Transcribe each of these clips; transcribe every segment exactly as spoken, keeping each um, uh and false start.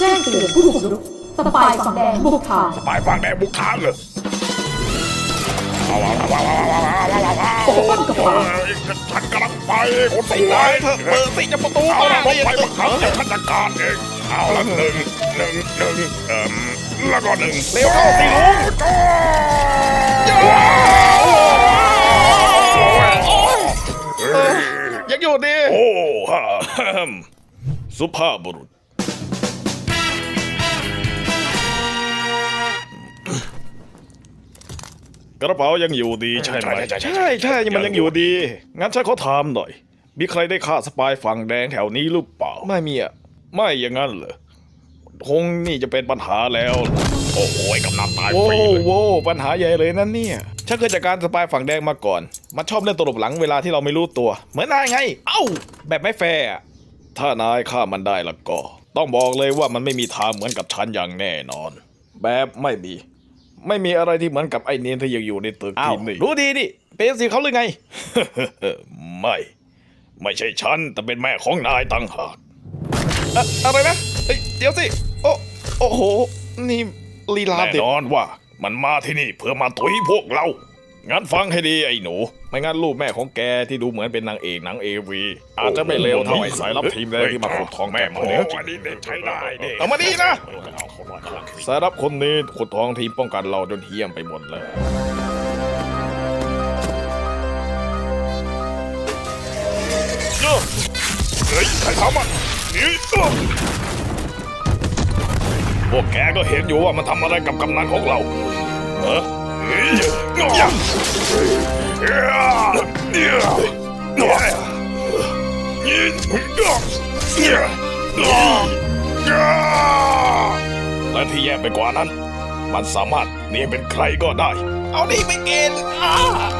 แจ้งเตือนผู้บุกรุกสปายฝั่งแดงบุกฐานสปายฝั่งแดงบุกฐานเลยปกป้องกระเป๋าฉันกำลังไปคนสไอ้วยนายเถอะเปิดสิจะประตูเอามาละเลผมยไปบังคับเดี๋ยวฉันจัดการเองเอาละหนึ่งหนึ่งหนึ่งเอ่อแล้วก็หนึ่งเร็วเข้าสิลุง ยังอยู่ดีโอ้ฮ่าสุภาพบุรุษกระเป๋ายังอยู่ดีใช่ไหมใช่ใช่มันยังอยู่ดีงั้นฉันขอถามหน่อย มีใครได้ฆ่าสปายฝั่งแดงแถวนี้หรือเปล่าไม่มีอ่ะไม่อย่างนั้นเหรอคงนี่จะเป็นปัญหาแล้ว โอ้โหกำนันตายโว้ฟรีเลยโว้ปัญหาใหญ่เลยนั่นเนี่ยฉันเคยจัดการสปายฝั่งแดงมาก่อน มันชอบเล่นตลบหลังเวลาที่เราไม่รู้ตัว เหมือนนายไง เอ้า แบบไม่แฟร์อะถ้านายฆ่ามันได้แล้วก็ ต้องบอกเลยว่ามันไม่มีทางเหมือนกับฉันอย่างแน่นอน แบบไม่มี ไม่มีอะไรที่เหมือนกับไอ้เนียนที่ยังอยู่ในตึกอ้าวที่นี่รู้ดีดิเป็นสิเขาหรือไงไม่ ไม่ใช่ฉันแต่เป็นแม่ของนายต่างหากอะอะไรนะเอ้ยเดี๋ยวสิ โอ้โอ้โห นี่ลีลาแน่เด็ดนอนว่ามันมาที่นี่เพื่อมาตุยพวกเรา งั้นฟังให้ดีไอ้หนูไม่งั้นลูกแม่ของแกที่ดูเหมือนเป็นนางเอกหนังเอวีอาจจะไม่เลวเท่าไอ้สายลับทีมแดงที่มาขุดทองแม่แม่หมมาอเนี่ยอันนี้เด็กใช้ได้เด็กเอามาดีนะ สายลับคนนี้ขุดทองทีมป้องกันเราจนเฮี้ยมไปหมดเลยเฮ้ยใครทำอ่ะนี่พวกแกก็เห็นอยู่ว่ามันทำอะไรกับกำนันของเราเออเฮ้ยเนี่ยเนี่ยเนี่ยเนี่ยและที่แย่ไปกว่านั้น มันสามารถเนียนเป็นใครก็ได้เอาดีไปกินอ่า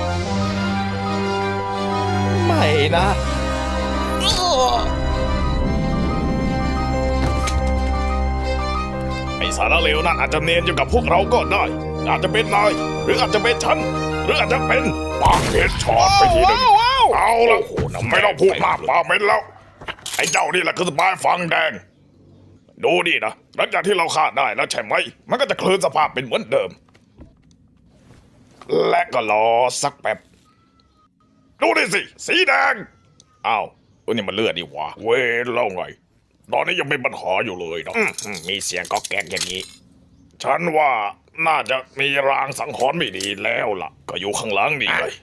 ไม่นะอ้อไอ้สารเลวนั่นอาจจะเนียนอยู่กับพวกเราก็ได้ อาจจะเป็นนาย หรืออาจจะเป็นฉัน หรืออาจจะเป็นปากเห็ดชอดไปทีหนึ่งว้าวเอาละไม่ต้องพูดมากปากเหม็นแล้ว ไอ้เจ้านี่แหละคือสปายฟังแดง ดูดินะ หลังจากที่เราฆ่าได้แล้วใช่ไหม มันก็จะคืนสภาพเป็นเหมือนเดิม และก็รอสักแป๊บ ดูดิสิ สีแดง อ้าวเออนี่มันเลือดดีหวะเว้ยเล่าไง ตอนนี้ยังเป็นปัญหาอยู่เลยเนาะมีเสียงก็แก๊กอย่างนี้ ฉันว่าน่าจะมีรางสังหรณ์ไม่ดีแล้วล่ะ ก็อยู่ข้างหลังนี่เลย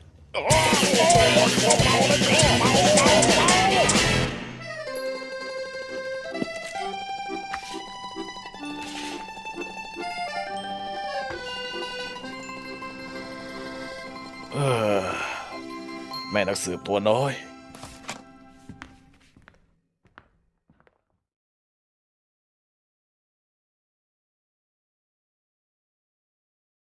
แม่นักสืบตัวน้อย